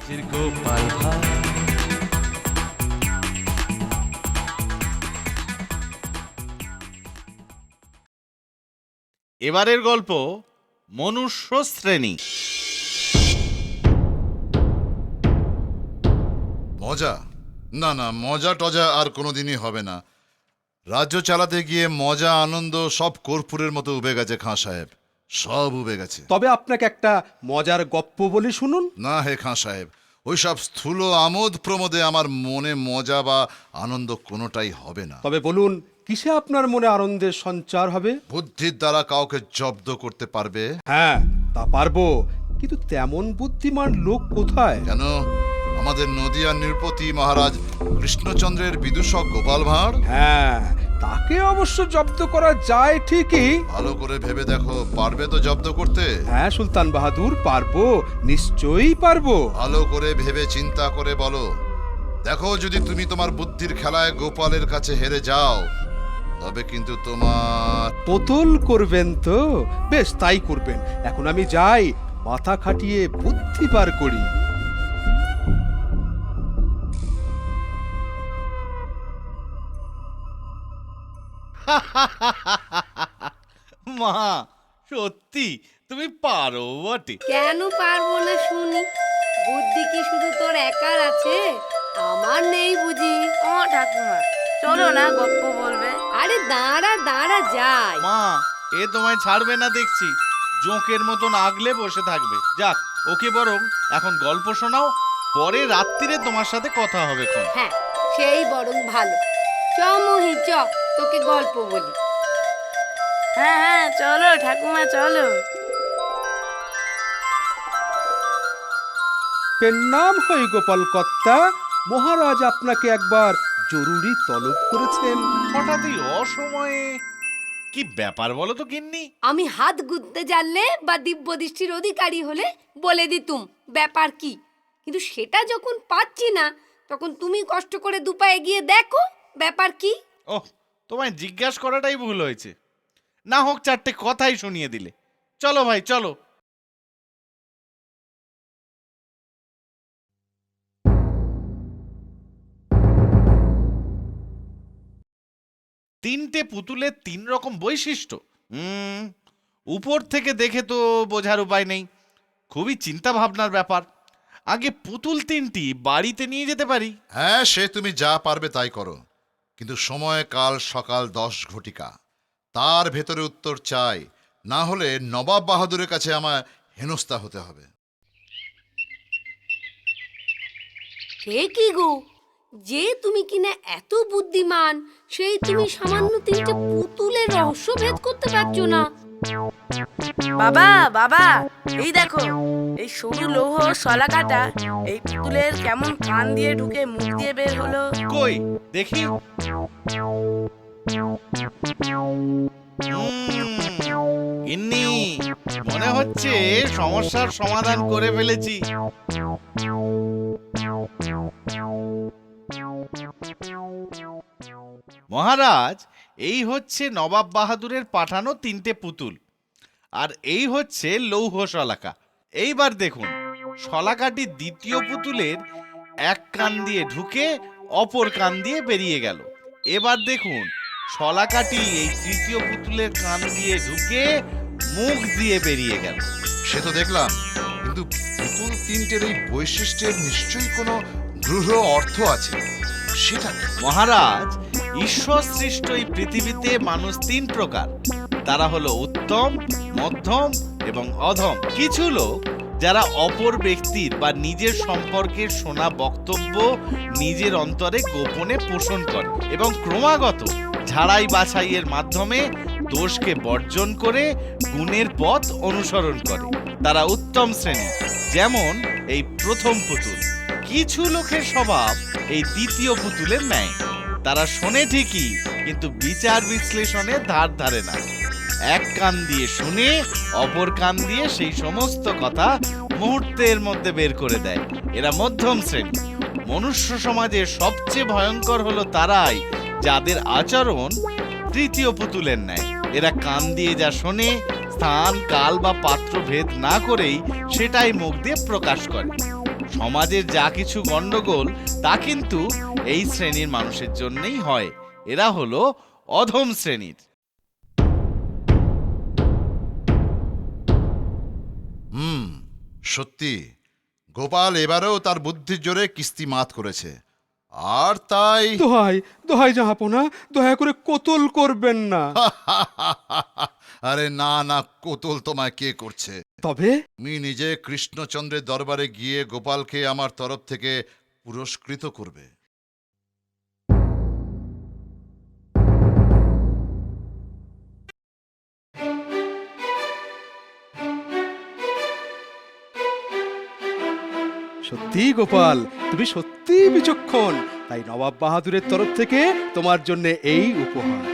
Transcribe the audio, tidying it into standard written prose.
গোপাল ভাঁড়। এবারের গল্প মনুষ্য শ্রেণী। মজা? না না, মজা টজা আর কোনোদিনই হবে না। রাজ্য চালাতে গিয়ে মজা আনন্দ সব কর্পূরের মতো উবে গেছে খাঁ সাহেব, সব উবে গেছে। তবে আপনাকে একটা মজার গপ্প বলি শুনুন। না হে খাঁ সাহেব, ওই সব স্থূল আমোদ প্রমোদে আমার মনে মজা বা আনন্দ কোনোটাই হবে না। তবে বলুন, কিসে আপনার মনে আনন্দের সঞ্চার হবে? বুদ্ধির দ্বারা কাউকে জব্দ করতে পারবে? হ্যাঁ, তা পারবো, কিন্তু তেমন বুদ্ধিমান লোক কোথায়? কেন, আমাদের নদিয়া নৃপতি মহারাজ কৃষ্ণচন্দ্রের বিদূষক গোপাল ভাঁড়? হ্যাঁ, তাকে অবশ্য জব্দ করা যায় ঠিকই। ভালো করে ভেবে দেখো, পারবে তো জব্দ করতে? হ্যাঁ সুলতান বাহাদুর, পারবো, নিশ্চয়ই পারবো। ভালো করে ভেবে চিন্তা করে বলো। দেখো, যদি তুমি তোমার বুদ্ধির খেলায় গোপালের কাছে হেরে যাও, তবে কিন্তু তোমার... পুতুল করবেন তো? বেশ, তাই করবেন। এখন আমি যাই, মাথা খাটিয়ে বুদ্ধি বার করি। মা, সত্যি তুমি পারো বটে। কেন পারবো না শুনি? বুদ্ধি কি শুধু তোর একার আছে? আমার নেই বুঝি? ও ঠাকুমা, চলো না গপ্প বলবে। আরে দাঁড়া দাঁড়া যাই। মা, এ তোমায় ছাড়বে না দেখছি, জোঁকের মতন আগলে বসে থাকবে। যাক, ওকে বরং এখন গল্প শোনাও, পরে রাত্রিরে তোমার সাথে কথা হবে খন। হ্যাঁ, সেই বরং ভালো। চ মহি চ, তোকে গল্প বলি। হ্যাঁ হ্যাঁ, চলো ঠাকুমা চলো। পেন নাম হই গোপাল কর্তা, মহারাজ আপনাকে একবার জরুরি তলব করেছেন। হঠাৎই অসময়ে কি ব্যাপার বলো তো গিন্নি? আমি হাত গুনতে জানলে বা দিব্য দৃষ্টির অধিকারী হলে বলে দিতুম ব্যাপার কি, কিন্তু সেটা যখন পাচ্ছি না, তখন তুমি কষ্ট করে দুপায়ে গিয়ে দেখো ব্যাপার কি। ওহ, তোমায় জিজ্ঞাসা করাটাই ভুল হয়েছে। না হোক, চারটে কথাই শুনিয়ে দিলে। চলো ভাই, চলো। তিনটে পুতুলের তিন রকম বৈশিষ্ট্য। উপর থেকে দেখে তো বোঝার উপায় নেই, খুবই চিন্তা ভাবনার ব্যাপার। আগে পুতুল তিনটি বাড়িতে নিয়ে যেতে পারি। হ্যাঁ, সে তুমি যা পারবে তাই করো, কিন্তু সময় কাল সকাল 10 ঘটিকা, তার ভেতরে উত্তর চাই, না হলে নবাব বাহাদুরের কাছে আমায় হেনস্থা হতে হবে। সে কি গো, যে তুমি কিনা এত বুদ্ধিমান, সেই তুমি সামান্য তিনটে পুতুলের রহস্য ভেদ করতে পারছো না? বাবা বাবা, এই দেখো, এই সরু লৌহ শলাকাটা এই পুতুলের কেমন কান দিয়ে ঢুকে মুখ দিয়ে বের হলো। কই দেখি। গিন্নি, মনে হচ্ছে সমস্যার সমাধান করে ফেলেছি। মহারাজ, এই হচ্ছে নবাব বাহাদুরের পাঠানো তিনটে পুতুল, আর এই হচ্ছে লৌহ শলাকা। এইবার দেখুন, শলাকাটি দ্বিতীয় পুতুলের এক কান দিয়ে ঢুকে অপর কান দিয়ে বেরিয়ে গেল। এবার দেখুন, শলাকাটি এই তৃতীয় পুতুলের কান দিয়ে ঢুকে মুখ দিয়ে বেরিয়ে গেল। সে তো দেখলাম, কিন্তু পুতুল তিনটের এই বৈশিষ্ট্যের নিশ্চয়ই কোনো গূঢ় অর্থ আছে, সেটা কি? মহারাজ, ঈশ্বর সৃষ্ট এই পৃথিবীতে মানুষ তিন প্রকার। তারা হলো উত্তম, মধ্যম এবং অধম। কিছু লোক যারা অপর ব্যক্তির বা নিজের সম্পর্কে শোনা বক্তব্য নিজের অন্তরে গোপনে পোষণ করে এবং ক্রমাগত ঝাড়াই বাছাইয়ের মাধ্যমে দোষকে বর্জন করে গুণের পথ অনুসরণ করে, তারা উত্তম শ্রেণী। যেমন এই প্রথম পুতুল। কিছু লোকের স্বভাব এই দ্বিতীয় পুতুলের ন্যায়। তারা শোনে ঠিকই, কিন্তু বিচার বিশ্লেষণে ধার ধারে না। এক কান দিয়ে শুনে অপর কান দিয়ে সেই সমস্ত কথা মুহূর্তের মধ্যে বের করে দেয়। এরা মধ্যম শ্রেণী। মনুষ্য সমাজে সবচেয়ে ভয়ঙ্কর হলো তারাই যাদের আচরণ তৃতীয় পুতুলের ন্যায়। এরা কান দিয়ে যা শোনে, স্থান কাল বা পাত্র ভেদ না করেই সেটাই মুখ দিয়ে প্রকাশ করে। সমাজের যা কিছু গন্ডগোল তা কিন্তু এই শ্রেণীর মানুষের জন্যই হয়। এরা হলো অধম শ্রেণীর। সত্যি গোপাল এবারেও তার বুদ্ধির জোরে কিস্তি মাত করেছে, আর তাই দোহাই দোহাই জাহাপনা, দয়া করে কোতল করবেন না। আরে না না, কোতল তোমায় কে করছে? তবে তুমি নিজে কৃষ্ণচন্দ্রের দরবারে গিয়ে গোপালকে আমার তরফ থেকে পুরস্কৃত করবে। সত্যি গোপাল, তুমি সত্যি বিচক্ষণ, তাই নবাব বাহাদুরের তরফ থেকে তোমার জন্য এই উপহার।